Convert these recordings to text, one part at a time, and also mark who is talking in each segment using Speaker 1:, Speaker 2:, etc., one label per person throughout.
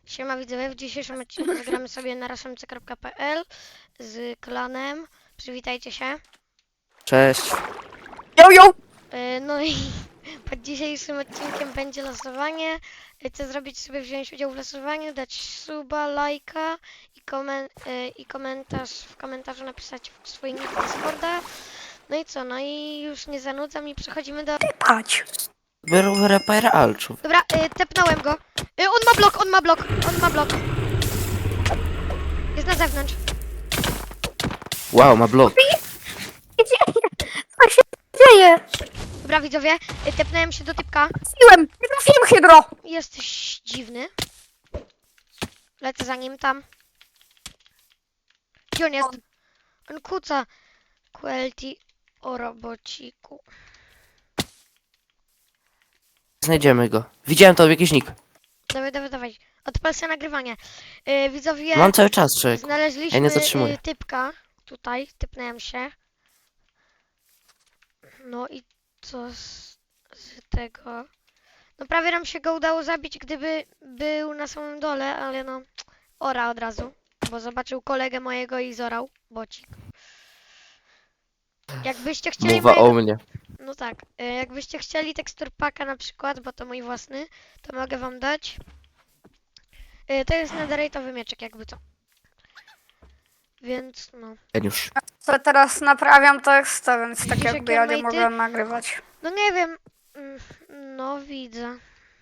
Speaker 1: Siema widzowie, w dzisiejszym odcinku zagramy sobie na raszemce.pl z klanem. Przywitajcie się.
Speaker 2: Cześć.
Speaker 3: Yo!
Speaker 1: No i pod dzisiejszym odcinkiem będzie losowanie. Chcę zrobić sobie, wziąć udział w losowaniu, dać suba, lajka i komentarz, w komentarzu napisać swój nick Discorda. No i co, no i już nie zanudzam i przechodzimy do...
Speaker 3: Patrz.
Speaker 2: Był repair alczów.
Speaker 1: Dobra, tepnąłem go. On ma blok. Jest na zewnątrz.
Speaker 2: Wow, ma blok.
Speaker 3: Co się dzieje?
Speaker 1: Dobra widzowie, tepnąłem się do typka.
Speaker 3: Trafiłem! Nie trafiłem hydro!
Speaker 1: Jesteś dziwny. Lecę za nim tam. Gdzie on jest? On kuca. QLT o robociku.
Speaker 2: Znajdziemy go. Widziałem to jakiś nick.
Speaker 1: Dawaj. Odpal sobie nagrywanie. Widzowie,
Speaker 2: Mam cały czas, człowiek.
Speaker 1: znaleźliśmy
Speaker 2: Ja nie zatrzymuję.
Speaker 1: typka. Tutaj, typnąłem się. No i co z tego? No prawie nam się go udało zabić, gdyby był na samym dole, ale no ora od razu, bo zobaczył kolegę mojego i zorał bocik. Jakbyście chcieli
Speaker 2: Mowa
Speaker 1: mojego...
Speaker 2: o mnie.
Speaker 1: No tak, jakbyście chcieli tekstur packa na przykład, bo to mój własny, to mogę wam dać. To jest netherite'owy mieczek, jakby co. Więc no.
Speaker 2: Geniusz.
Speaker 3: Co teraz naprawiam tekst, więc tak
Speaker 1: Widzisz,
Speaker 3: jakby
Speaker 1: jakie
Speaker 3: ja nie
Speaker 1: on ma
Speaker 3: mogłem nagrywać.
Speaker 1: No nie wiem. No widzę.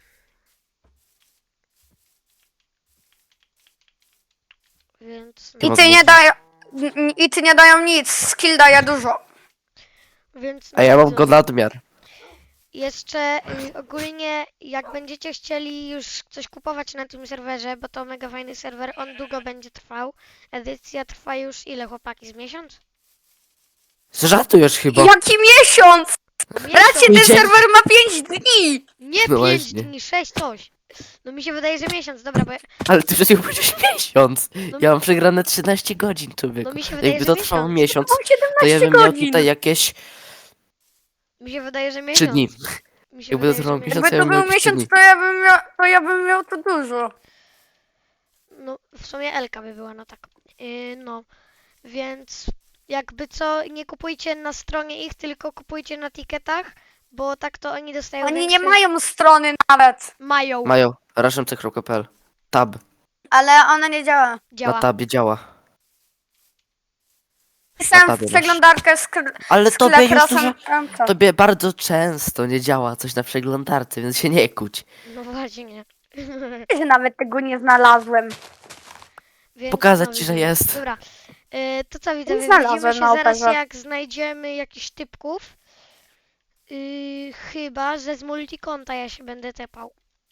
Speaker 1: Więc no.
Speaker 3: I ty nie dają... I ty nie dają nic, skill daje dużo.
Speaker 1: Więc
Speaker 2: A ja mam
Speaker 1: widzę.
Speaker 2: go nadmiar.
Speaker 1: Jeszcze ogólnie jak będziecie chcieli już coś kupować na tym serwerze, bo to mega fajny serwer, on długo będzie trwał. Edycja trwa już ile, chłopaki, z miesiąc?
Speaker 2: Żartujesz chyba.
Speaker 3: Jaki miesiąc! Racie, ten
Speaker 2: Idzie-
Speaker 3: serwer ma 5 dni!
Speaker 1: Nie
Speaker 2: No
Speaker 1: 5
Speaker 2: właśnie.
Speaker 1: dni, 6 coś. No mi się wydaje, że miesiąc, dobra, bo
Speaker 2: Ale ty przecież powiedziałeś miesiąc.
Speaker 1: No
Speaker 2: Ja mam przegrane 13 godzin, człowieku.
Speaker 1: no mi się wydaje,
Speaker 2: Jakby
Speaker 1: że
Speaker 2: to trwało
Speaker 1: miesiąc.
Speaker 2: miesiąc,
Speaker 3: Mam 17
Speaker 2: to ja bym miał
Speaker 3: godzin!
Speaker 2: tutaj jakieś
Speaker 1: Mi się wydaje, że
Speaker 2: 3
Speaker 1: miesiąc.
Speaker 2: dni.
Speaker 1: Mi się
Speaker 2: Jakby to
Speaker 1: wydaje, że
Speaker 2: trwało
Speaker 1: miesiąc.
Speaker 2: miesiąc,
Speaker 3: Jakby
Speaker 2: ja
Speaker 3: to
Speaker 2: bym miał
Speaker 3: był
Speaker 2: jakieś 3
Speaker 3: miesiąc,
Speaker 2: dni.
Speaker 3: to ja bym miał to dużo.
Speaker 1: No w sumie Elka by była, no tak. No, więc jakby co, nie kupujcie na stronie ich, tylko kupujcie na ticketach, bo tak to oni dostają
Speaker 3: Oni nie
Speaker 1: większy...
Speaker 3: mają strony nawet.
Speaker 1: Mają.
Speaker 2: Mają. raszemce.pl. Tab.
Speaker 3: Ale ona nie działa.
Speaker 2: Na
Speaker 1: Działa.
Speaker 2: tabie działa.
Speaker 3: Pisałem
Speaker 2: tabie
Speaker 3: w
Speaker 2: masz.
Speaker 3: przeglądarkę
Speaker 2: Ale
Speaker 3: sklep
Speaker 2: tobie już
Speaker 3: razem...
Speaker 2: dużo... Tobie bardzo często nie działa coś na przeglądarce, więc się nie kłóć.
Speaker 1: No właśnie.
Speaker 3: Że nawet tego nie znalazłem.
Speaker 1: Więc
Speaker 2: Pokazać ci, że
Speaker 1: widzowie.
Speaker 2: jest.
Speaker 1: Dobra. To co widzowie,
Speaker 3: znalazłem
Speaker 1: widzimy się
Speaker 3: na
Speaker 1: zaraz
Speaker 3: operze.
Speaker 1: jak znajdziemy jakichś typków. Chyba, że z multikonta ja się będę tepał.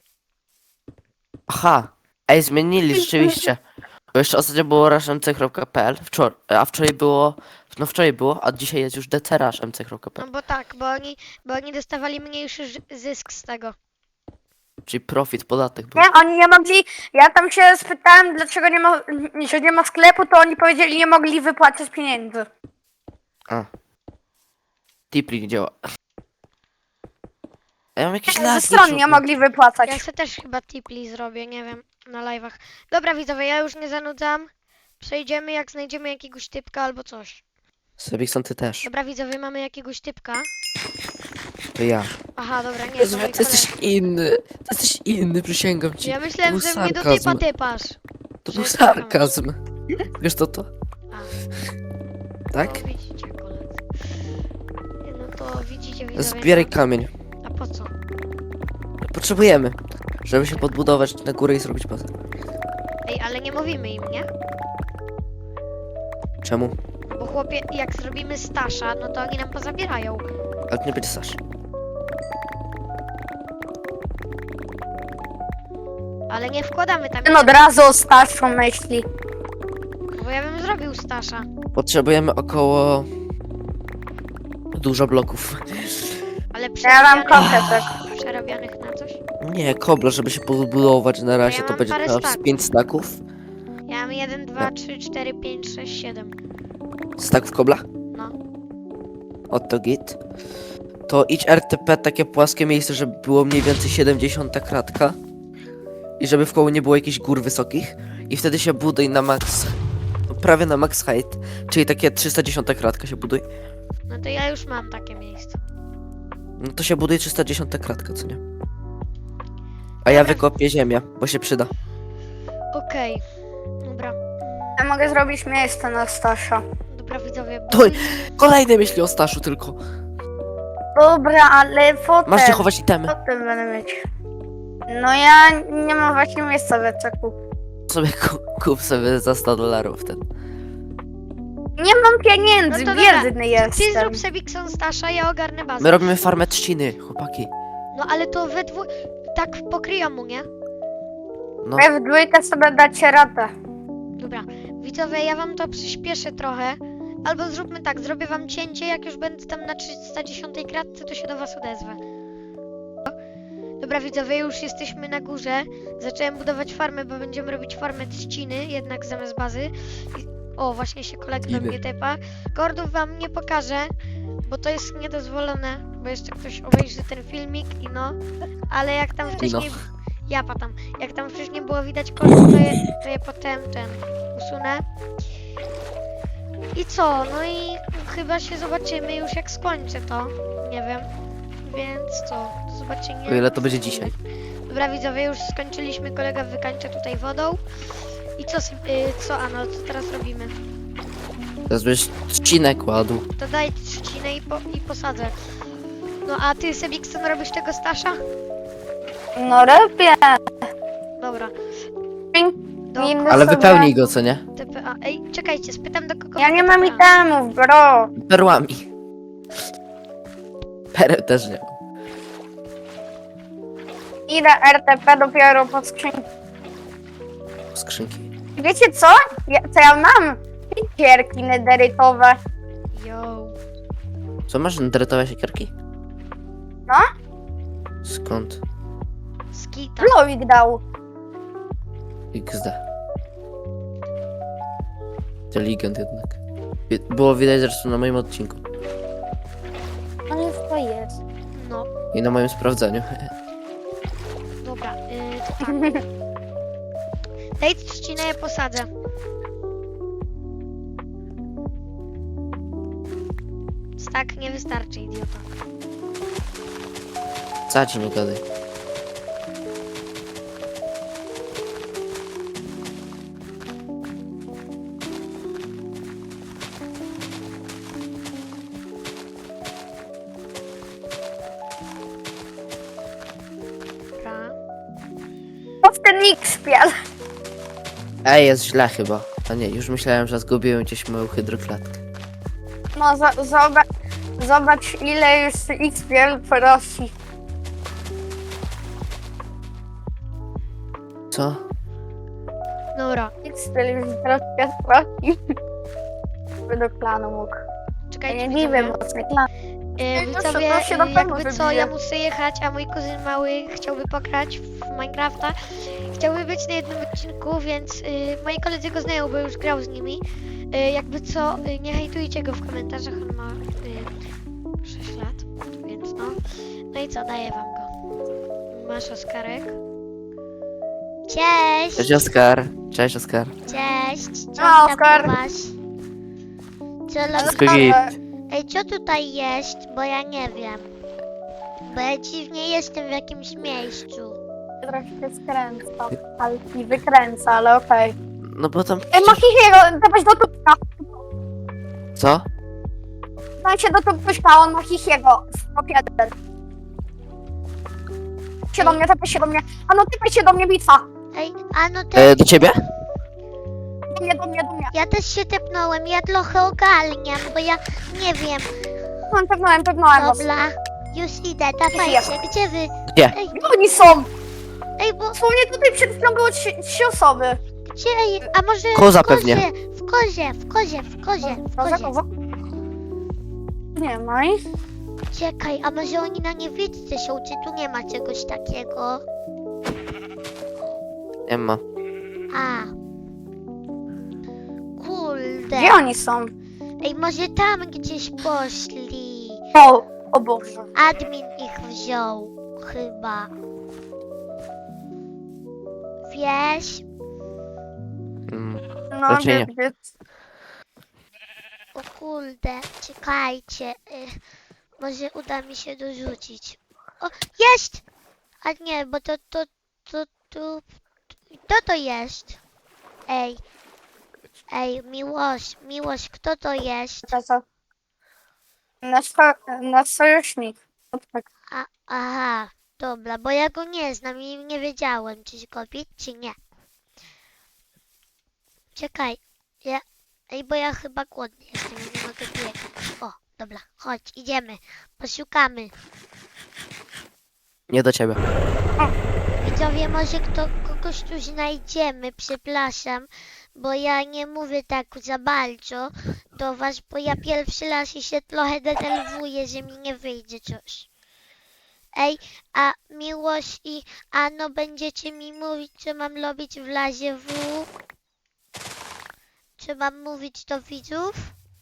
Speaker 2: Aha. Ej, zmienili rzeczywiście. Bo jeszcze ostatnio było raszmc.pl, a wczoraj było... No wczoraj było, a dzisiaj jest już
Speaker 1: No
Speaker 2: dcraszmc.pl.
Speaker 1: bo tak, bo oni dostawali mniejszy zysk z tego.
Speaker 2: Czyli profit, podatek był.
Speaker 3: Nie, oni nie mogli. Ja tam się spytałem, dlaczego nie ma sklepu, to oni powiedzieli, nie mogli wypłacić pieniędzy.
Speaker 2: A. Tipli nie działa. Ja mam jakieś
Speaker 3: Ze
Speaker 2: lagi.
Speaker 3: stron nie
Speaker 2: człowieku.
Speaker 3: mogli wypłacać.
Speaker 1: Ja sobie też chyba tipli zrobię, nie wiem, na live'ach. Dobra widzowie, ja już nie zanudzam. Przejdziemy jak znajdziemy jakiegoś typka albo coś.
Speaker 2: Sebikson, ty też.
Speaker 1: Dobra widzowie, mamy jakiegoś typka.
Speaker 2: To ja.
Speaker 1: Aha, dobra, nie, to
Speaker 2: Jezu,
Speaker 1: mój
Speaker 2: ty jesteś
Speaker 1: kolega.
Speaker 2: inny. Ty jesteś inny, przysięgam ci.
Speaker 1: Ja myślałem,
Speaker 2: To
Speaker 1: że
Speaker 2: był
Speaker 1: mnie do
Speaker 2: sarkazm.
Speaker 1: typa typasz.
Speaker 2: To
Speaker 1: że
Speaker 2: był
Speaker 1: jest taka
Speaker 2: sarkazm. Wiesz co to?
Speaker 1: A,
Speaker 2: Tak?
Speaker 1: no, widzicie koledzy. No to widzicie widzowie.
Speaker 2: Zbieraj kamień.
Speaker 1: A po co?
Speaker 2: Potrzebujemy, żeby się podbudować na górę i zrobić bazę.
Speaker 1: Ej, ale nie mówimy im, nie?
Speaker 2: Czemu?
Speaker 1: Bo chłopie, jak zrobimy stasza, no to oni nam pozabierają.
Speaker 2: Ale to nie będzie Sasz.
Speaker 1: Ale nie wkładamy tam,
Speaker 3: Ten od razu o starszą myśli.
Speaker 1: bo ja bym zrobił stasza.
Speaker 2: Potrzebujemy około... dużo bloków.
Speaker 1: Ale
Speaker 3: Ja mam kontetek.
Speaker 1: przerabianych na coś.
Speaker 2: Nie, kobla, żeby się podbudować na razie,
Speaker 1: Ja
Speaker 2: to
Speaker 1: mam
Speaker 2: będzie
Speaker 1: parę
Speaker 2: teraz
Speaker 1: staków.
Speaker 2: 5 staków.
Speaker 1: Ja mam 1, 2, 3, 4, 5, 6, 7.
Speaker 2: Staków kobla?
Speaker 1: No.
Speaker 2: Oto git. To idź RTP, takie płaskie miejsce, żeby było mniej więcej 70 kratka. i żeby w koło nie było jakichś gór wysokich i wtedy się buduj na max, prawie na max height, czyli takie 310 kratka się buduj.
Speaker 1: No to ja już mam takie miejsce.
Speaker 2: No to się buduje 310 kratka, co nie? A ja wykopię ziemię, bo się przyda.
Speaker 1: Okej. Dobra.
Speaker 3: Ja mogę zrobić miejsce na Stasia.
Speaker 1: Dobra widzowie.
Speaker 2: To kolejne myśli o Staszu tylko.
Speaker 3: Dobra, ale potem.
Speaker 2: Masz gdzie chować itemy.
Speaker 3: Potem będę mieć. No ja nie mam właśnie miejsca w eczeku.
Speaker 2: Sobie kup sobie za $100 ten.
Speaker 3: Nie mam pieniędzy,
Speaker 1: No to dobra,
Speaker 3: biedny
Speaker 1: Ty
Speaker 3: jestem.
Speaker 1: zrób Sebikson Stasza, ja ogarnę bazę.
Speaker 2: My robimy farmę trzciny, chłopaki.
Speaker 1: No ale to we dwóch... Tak pokryją mu, nie?
Speaker 2: No,
Speaker 3: Wy w dwójkę sobie dacie radę.
Speaker 1: Dobra. Widzowie, ja wam to przyspieszę trochę. Albo zróbmy tak, zrobię wam cięcie, jak już będę tam na 310 kratce, to się do was odezwę. Dobra widzowie, już jesteśmy na górze. Zacząłem budować farmę, bo będziemy robić farmę trzciny, jednak zamiast bazy. O, właśnie się kolega do
Speaker 2: Idę.
Speaker 1: mnie tepa. Kordów wam nie pokażę, bo to jest niedozwolone, bo jeszcze ktoś obejrzy ten filmik i no. Ale jak tam wcześniej... Ja patam. Jak tam wcześniej było widać kordów, to je potem usunę. I co? No i chyba się zobaczymy już jak skończę to. Nie wiem. Więc co? Do zobaczenia.
Speaker 2: o ile to będzie dzisiaj.
Speaker 1: Dobra widzowie, już skończyliśmy. Kolega wykańcza tutaj wodą. I co Ano, co teraz robimy?
Speaker 2: Teraz będziesz trzcinę kładł.
Speaker 1: To daj trzcinę i posadzę. No a ty Sebikson robisz tego Stasza?
Speaker 3: No robię.
Speaker 1: Dobra.
Speaker 3: Inny
Speaker 2: Ale
Speaker 3: sobie.
Speaker 2: wypełnij go, co nie?
Speaker 1: TPA. Ej, czekajcie, spytam do kogo.
Speaker 3: Ja nie mam
Speaker 1: TPA.
Speaker 3: itemów, bro.
Speaker 2: Perłami. Pereł też nie.
Speaker 3: Idę RTP dopiero po skrzynki.
Speaker 2: Skrzynki.
Speaker 3: Wiecie co? Co ja mam? Siekierki nederytowe.
Speaker 1: Yo.
Speaker 2: Co masz dretowe siekierki?
Speaker 3: No?
Speaker 2: Skąd?
Speaker 1: Skita.
Speaker 3: Lowik dał.
Speaker 2: XD. Inteligent jednak. Było widać zresztą na moim odcinku.
Speaker 3: Ale to jest.
Speaker 1: No,
Speaker 2: I na moim sprawdzeniu.
Speaker 1: dobra. To tak. Daj trzcinę, ja posadzę. Tak nie wystarczy, idiota.
Speaker 2: Co ci nie gadaj?
Speaker 1: Dobra.
Speaker 3: To w ten X-piel.
Speaker 2: Ej, jest źle chyba. A nie, już myślałem, że zgubiłem gdzieś moją hydroklatkę.
Speaker 3: No zobacz ile już X-piel prosi.
Speaker 2: Co?
Speaker 1: Dobra,
Speaker 3: X-piel już troszkę prosi. By do klanu mógł. Ja
Speaker 1: czekajcie,
Speaker 3: nie dziwię,
Speaker 1: widzowie.
Speaker 3: mocny klan.
Speaker 1: Widzowie,
Speaker 3: to się na pewno
Speaker 1: jakby co,
Speaker 3: wybije.
Speaker 1: ja muszę jechać, a mój kuzyn mały chciałby pograć w Minecrafta. Chciałby być na jednym odcinku, więc moi koledzy go znają, bo już grał z nimi. Jakby co, nie hejtujcie go w komentarzach, on ma 6 lat, więc no. No i co, daję wam go. Masz Oskarek. Cześć!
Speaker 2: Cześć Oskar. Cześć Oskar.
Speaker 1: Cześć! Co
Speaker 3: A, Oskar.
Speaker 1: Co
Speaker 2: Wszystko git.
Speaker 1: Ej, co tutaj jest? Bo ja nie wiem. Bo ja dziwnie jestem w jakimś miejscu.
Speaker 3: Troszkę skręca, ale nie wykręca, ale okej.
Speaker 2: No bo tam...
Speaker 3: Ej, Machichiego, dawać do tupka.
Speaker 2: Co?
Speaker 3: Daj się do tupka, on Machichiego. Stop 1. Się do mnie, tepaj się do mnie. A no typaj się do mnie, bitwa.
Speaker 1: Ej, a no te...
Speaker 2: Do ciebie?
Speaker 3: Do mnie.
Speaker 1: Ja też się tepnąłem, ja trochę ogarniam, bo ja nie wiem.
Speaker 3: Pewnołem was.
Speaker 1: Dobra, już idę, dawajcie, gdzie wy?
Speaker 2: Gdzie?
Speaker 1: Ej,
Speaker 3: Gdzie oni są?
Speaker 1: ej, bo
Speaker 3: Dosłownie tutaj przed chwilą było 3 osoby.
Speaker 1: gdzie, ej, a może
Speaker 2: Koza
Speaker 1: w kozie,
Speaker 2: pewnie.
Speaker 1: w kozie.
Speaker 3: Koza. Nie ma ich.
Speaker 1: Czekaj, a może oni na niewidce są, czy tu nie ma czegoś takiego?
Speaker 2: Nie ma.
Speaker 1: A. Kurde.
Speaker 3: Gdzie oni są?
Speaker 1: Ej, może tam gdzieś poszli.
Speaker 3: O Boże.
Speaker 1: Admin ich wziął, chyba. Wiesz?
Speaker 3: No,
Speaker 2: Raczej nie.
Speaker 1: O kurde, czekajcie. Może uda mi się dorzucić. O, jest! A nie, bo kto to jest? Ej, Miłość, kto to jest?
Speaker 3: Nasz sojusznik. Tak.
Speaker 1: Aha, dobra, bo ja go nie znam i nie wiedziałem, czy go bić, czy nie. Czekaj, bo ja chyba głodny jestem, ja nie mogę biegać. O, dobra, chodź, idziemy, poszukamy.
Speaker 2: Nie do ciebie.
Speaker 1: Widzowie, może kogoś tu znajdziemy, przepraszam, bo ja nie mówię tak za bardzo do was, bo ja pierwszy raz i się trochę denerwuję, że mi nie wyjdzie coś. Ej, a Miłość i Ano będziecie mi mówić, co mam robić w razie W? Czy mam mówić do widzów?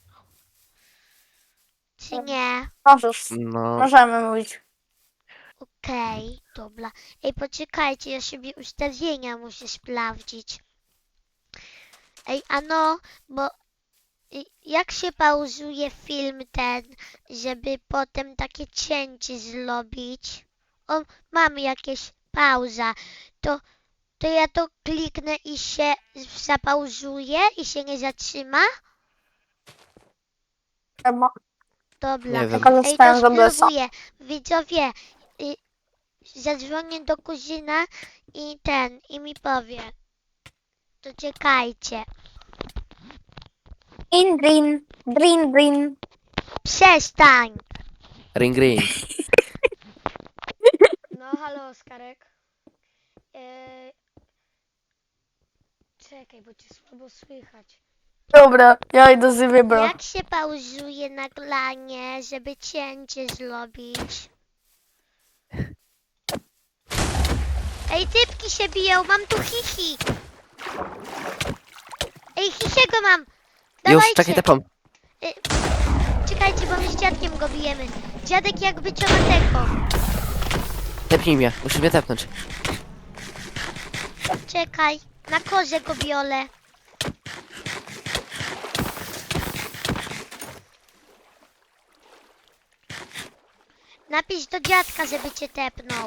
Speaker 1: Czy nie?
Speaker 3: Możesz.
Speaker 2: No,
Speaker 3: Możemy mówić.
Speaker 1: Okej, dobra. Ej, poczekajcie, ja sobie ustawienia muszę sprawdzić. Ej, Ano, bo jak się pauzuje film ten, żeby potem takie cięcie zrobić? O, mam jakieś pauza. To ja to kliknę i się zapauzuje i się nie zatrzyma? Dobra.
Speaker 2: nie wiem.
Speaker 3: Tylko
Speaker 1: Ej, to
Speaker 3: zostałem z OBS-a.
Speaker 1: spróbuję. Widzowie, zadzwonię do kuzyna i mi powie. To czekajcie.
Speaker 3: Green.
Speaker 1: Przestań!
Speaker 2: Ring ring.
Speaker 1: No, halo, Oskarek. Czekaj, bo cię słabo słychać.
Speaker 3: Dobra, ja idę z wybra.
Speaker 1: Jak się pauzuje nagranie, żeby cięcie zrobić? Ej, typki się biją, mam tu hihi. Ej, hisiego mam.
Speaker 2: Już,
Speaker 1: Dawajcie.
Speaker 2: czekaj, tepam.
Speaker 1: Czekajcie, bo my z dziadkiem go bijemy. Dziadek jakby co ma tego.
Speaker 2: Tepnij mnie, musisz mnie tepnąć.
Speaker 1: Czekaj, na kozę go biorę. Napisz do dziadka, żeby cię tepnął.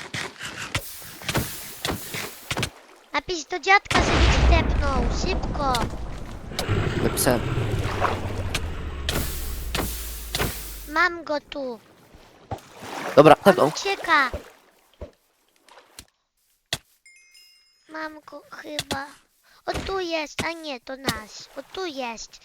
Speaker 1: Napisz do dziadka, żeby cię tepnął. Szybko.
Speaker 2: Napisałem.
Speaker 1: Mam go tu.
Speaker 2: Dobra,
Speaker 1: On
Speaker 2: tepnął.
Speaker 1: ucieka. Mam go chyba. O tu jest, a nie, to nasz. O tu jest.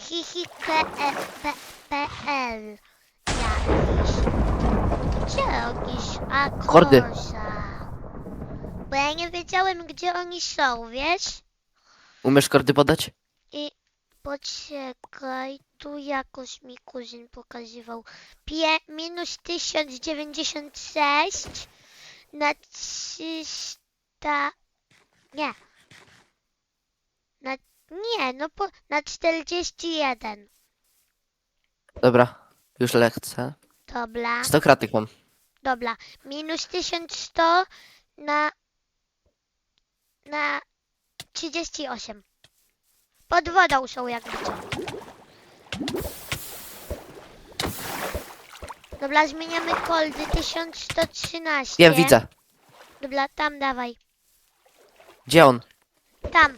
Speaker 1: Hihi.pl. Jakiś. Gdzie jakiś? A
Speaker 2: Kordy.
Speaker 1: koza. Bo ja nie wiedziałem, gdzie oni są, wiesz?
Speaker 2: Umiesz kordy podać?
Speaker 1: I poczekaj, tu jakoś mi kuzyn pokazywał. Minus 1096 na 300. Nie. Na 41.
Speaker 2: Dobra, już lecę.
Speaker 1: Dobra,
Speaker 2: 100 kratek mam.
Speaker 1: dobra. Minus 1100 na 38. Pod wodą są jakby co. Dobra, zmieniamy koldy 1113.
Speaker 2: Wiem, widzę.
Speaker 1: Dobra, tam dawaj.
Speaker 2: Gdzie on?
Speaker 1: Tam.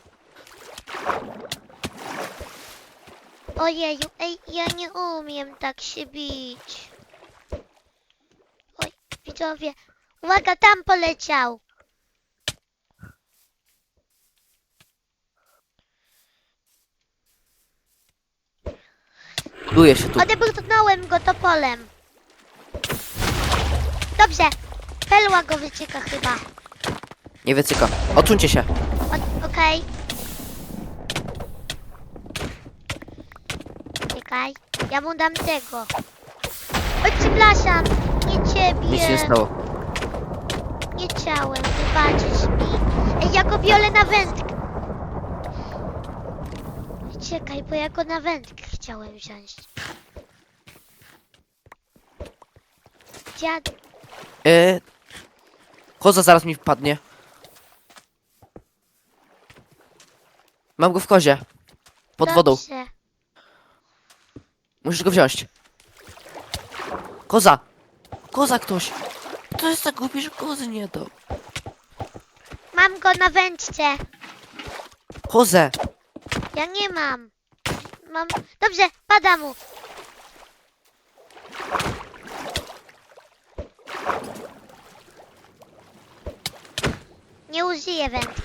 Speaker 1: Ojeju, ej, ja nie umiem tak się bić. Oj, widzowie. Uwaga, tam poleciał.
Speaker 2: Buduje się tu.
Speaker 1: Odebrnąłem go topolem. Dobrze. Perła go wycieka chyba.
Speaker 2: Nie wycyka. Odsuńcie się.
Speaker 1: Okej. Czekaj. Ja mu dam tego. Oj, przepraszam. Nie ciebie.
Speaker 2: Nic się nie stało.
Speaker 1: Nie chciałem. Wybaczysz mi. Ej, ja go biorę na wędkę. Czekaj, bo ja go na wędkę chciałem wziąć. Dziad...
Speaker 2: Koza zaraz mi wpadnie. Mam go w kozie. Pod wodą.
Speaker 1: Dobrze.
Speaker 2: Musisz go wziąć. Koza! Koza ktoś! To jest tak głupi, że kozy nie dał.
Speaker 1: Mam go na wędce.
Speaker 2: Kozę!
Speaker 1: Ja nie mam. Mam... Dobrze, pada mu. Nie użyję wędki.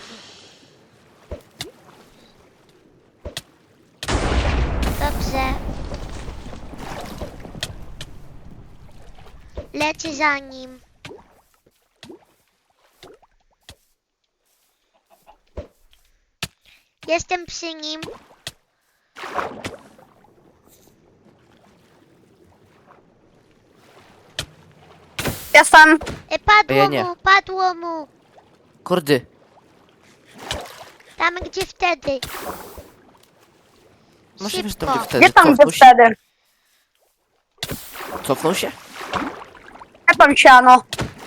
Speaker 1: Dobrze. Lecę za nim. Jestem przy nim.
Speaker 3: Jestem.
Speaker 1: Padło
Speaker 2: Ja nie.
Speaker 1: mu, padło mu.
Speaker 2: Kordy.
Speaker 1: Tam gdzie wtedy.
Speaker 2: Może wiesz,
Speaker 1: Szybko.
Speaker 2: tam gdzie wtedy.
Speaker 3: Gdzie tam
Speaker 2: Cofnął
Speaker 3: gdzie
Speaker 2: się?
Speaker 3: wtedy?
Speaker 2: Cofnął się?
Speaker 3: Ja tam siano.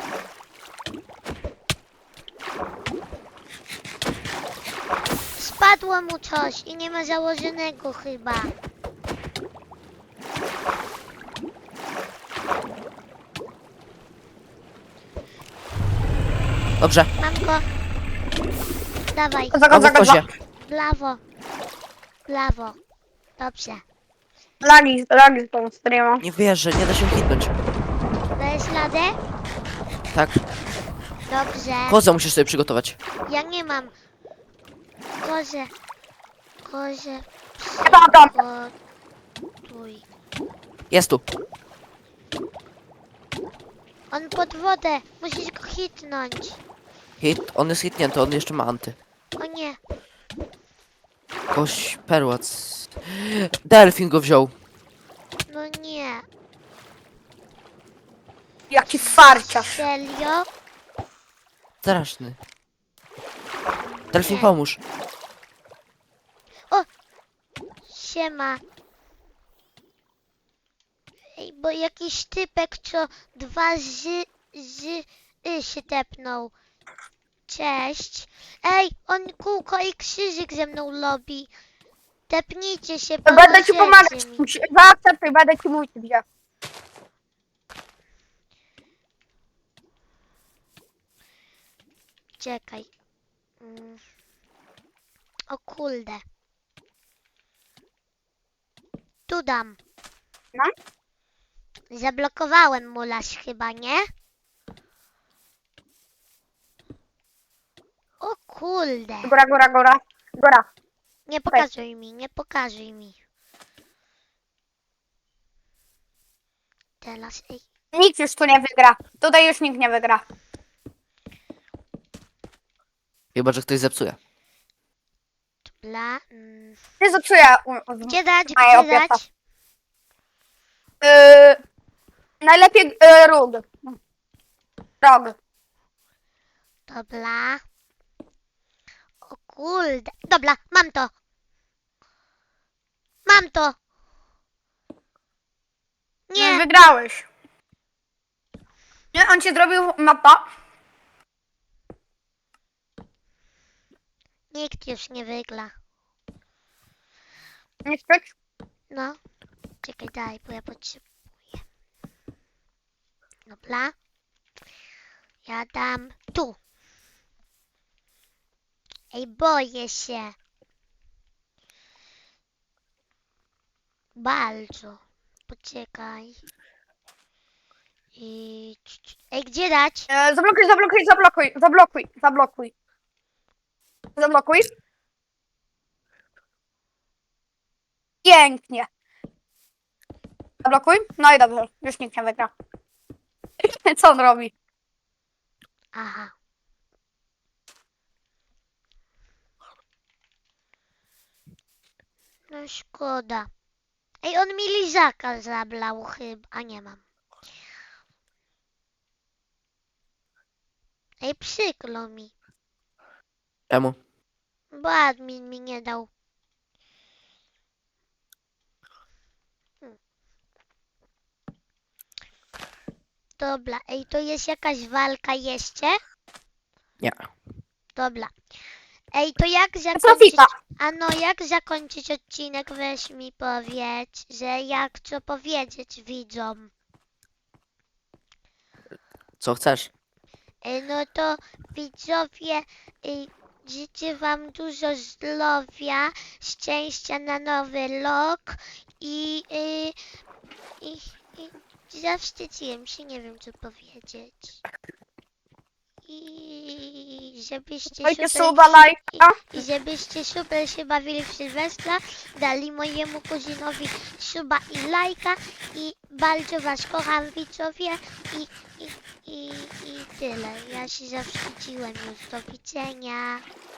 Speaker 1: Spadło mu coś i nie ma założonego chyba.
Speaker 2: Dobrze.
Speaker 1: Mam go. Dawaj,
Speaker 3: Koza,
Speaker 2: Mam
Speaker 3: koza,
Speaker 2: go w
Speaker 3: koza.
Speaker 2: kozie.
Speaker 1: w prawo. W prawo. Dobrze.
Speaker 3: Lagi z tą streama.
Speaker 2: Nie wierzę, nie da się hitnąć.
Speaker 1: Dajesz radę?
Speaker 2: Tak.
Speaker 1: Dobrze.
Speaker 2: Kozę musisz sobie przygotować.
Speaker 1: Ja nie mam. Kozie. Kozie.
Speaker 3: Ja tam.
Speaker 1: Przygotuj.
Speaker 2: Jest tu.
Speaker 1: On pod wodę. Musisz go hitnąć.
Speaker 2: Hit. On jest hitnięty, on jeszcze ma anty.
Speaker 1: O nie.
Speaker 2: Koś perłac. Delfin go wziął.
Speaker 1: No nie.
Speaker 3: Jaki farciarz.
Speaker 1: Serio?
Speaker 2: Straszny. Delfin,
Speaker 1: Nie.
Speaker 2: pomóż.
Speaker 1: Siema. Ej, bo jakiś typek, co dwa się tepnął. Cześć. Ej, on kółko i krzyżyk ze mną lobi. Tepnijcie się,
Speaker 3: Będę ci
Speaker 1: pomożecie
Speaker 3: pomagać.
Speaker 1: mi.
Speaker 3: Zaakceptuj, będę ci mówić gdzie.
Speaker 1: Czekaj. O kurde. Tu dam.
Speaker 3: No.
Speaker 1: Zablokowałem mulaś chyba, nie? O kurde.
Speaker 3: Góra, góra, góra. Góra.
Speaker 1: Nie pokazuj mi, nie pokazuj mi. Teraz, ej.
Speaker 3: Nikt już tu nie wygra. Tutaj już nikt nie wygra.
Speaker 2: Chyba, że ktoś zepsuje.
Speaker 1: Bla.
Speaker 3: Nie zepsuję.
Speaker 1: Gdzie dać,
Speaker 3: Moja
Speaker 1: gdzie
Speaker 3: opieka.
Speaker 1: dać?
Speaker 3: Najlepiej róg. Rog.
Speaker 1: Dobra. O kurde. Dobra, mam to. Mam to. Nie.
Speaker 3: Wygrałeś. Nie, on ci zrobił mapa.
Speaker 1: Nikt już nie wygra.
Speaker 3: Nie chcesz?
Speaker 1: No. Czekaj, daj, bo ja potrzebuję. Dobra. Ja dam tu. Ej, boję się. Bardzo. Poczekaj. I... Ej, gdzie dać?
Speaker 3: Zablokuj, zablokuj, zablokuj, zablokuj, zablokuj. Zablokuj. Pięknie. Zablokuj. No i dobrze, już nikt nie wygra. Co on robi?
Speaker 1: Aha. No szkoda. Ej, on mi lizaka zablał chyba. A nie mam. Ej, przykro mi.
Speaker 2: Czemu?
Speaker 1: Bo admin mi nie dał. Dobra, ej, to jest jakaś walka jeszcze?
Speaker 2: Nie.
Speaker 1: Dobra.
Speaker 4: Ej, to jak zakończyć...
Speaker 3: Sofika.
Speaker 4: Ano, jak zakończyć odcinek? Weź mi powiedz, że jak co powiedzieć widzom.
Speaker 2: Co chcesz?
Speaker 4: No to widzowie, życzę wam dużo zdrowia, szczęścia na nowy rok i zawstydziłem się, nie wiem co powiedzieć. I żebyście
Speaker 3: Dajcie
Speaker 4: super,
Speaker 3: suba, lajka.
Speaker 4: i żebyście super się bawili w Sylwestra, dali mojemu kuzynowi suba i lajka i bardzo was kocham widzowie i tyle. Ja się zawstydziłem już. Do widzenia.